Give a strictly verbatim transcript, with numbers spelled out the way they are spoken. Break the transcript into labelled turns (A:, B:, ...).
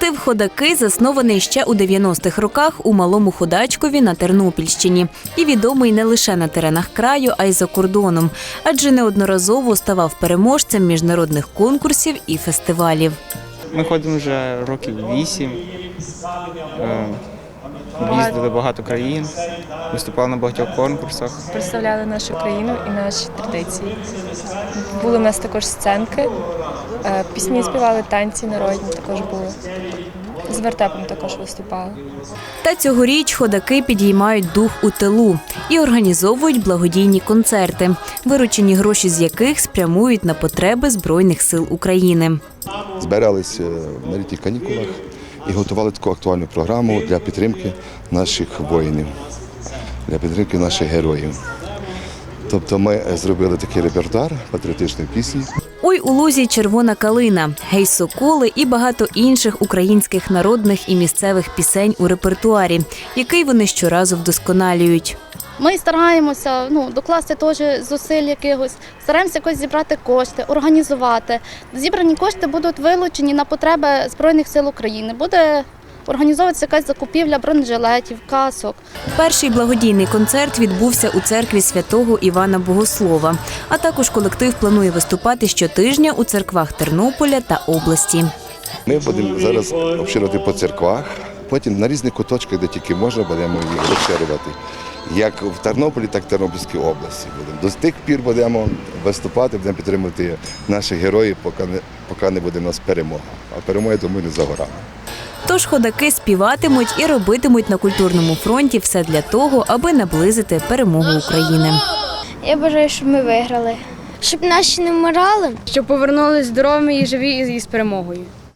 A: Колектив «Ходаки» заснований ще у дев'яностих роках у Малому Ходачкові на Тернопільщині. І відомий не лише на теренах краю, а й за кордоном. Адже неодноразово ставав переможцем міжнародних конкурсів і фестивалів.
B: Ми ходимо вже років вісім, їздили багато країн, виступали на багатьох конкурсах.
C: Представляли нашу країну і наші традиції. Були в нас також сценки, пісні співали, танці народні також були. З вертепом також виступали.
A: Та цьогоріч ходаки підіймають дух у тилу і організовують благодійні концерти, виручені гроші з яких спрямують на потреби Збройних сил України.
D: Збиралися на літніх канікулах і готували таку актуальну програму для підтримки наших воїнів, для підтримки наших героїв. Тобто ми зробили такий репертуар патріотичної пісні.
A: «Ой у лузі червона калина», «Гей соколи» і багато інших українських народних і місцевих пісень у репертуарі, який вони щоразу вдосконалюють.
E: Ми стараємося ну, докласти теж зусиль якихось, стараємося якось зібрати кошти, організувати. Зібрані кошти будуть вилучені на потреби Збройних сил України. Буде організовуватися якась закупівля бронежилетів, касок.
A: Перший благодійний концерт відбувся у церкві святого Івана Богослова. А також колектив планує виступати щотижня у церквах Тернополя та області.
D: Ми будемо зараз обширювати по церквах, потім на різних куточках, де тільки можна, будемо їх розширювати. Як в Тернополі, так і в Тернопільській області. До тих пір будемо виступати, будемо підтримувати наших героїв, поки не, поки не буде в нас перемога. А перемога, думаю, не за горами.
A: Тож ходаки співатимуть і робитимуть на культурному фронті все для того, аби наблизити перемогу України.
F: Я бажаю, щоб ми виграли. Щоб наші не вмирали.
G: Щоб повернулися здоровими і живі і з перемогою.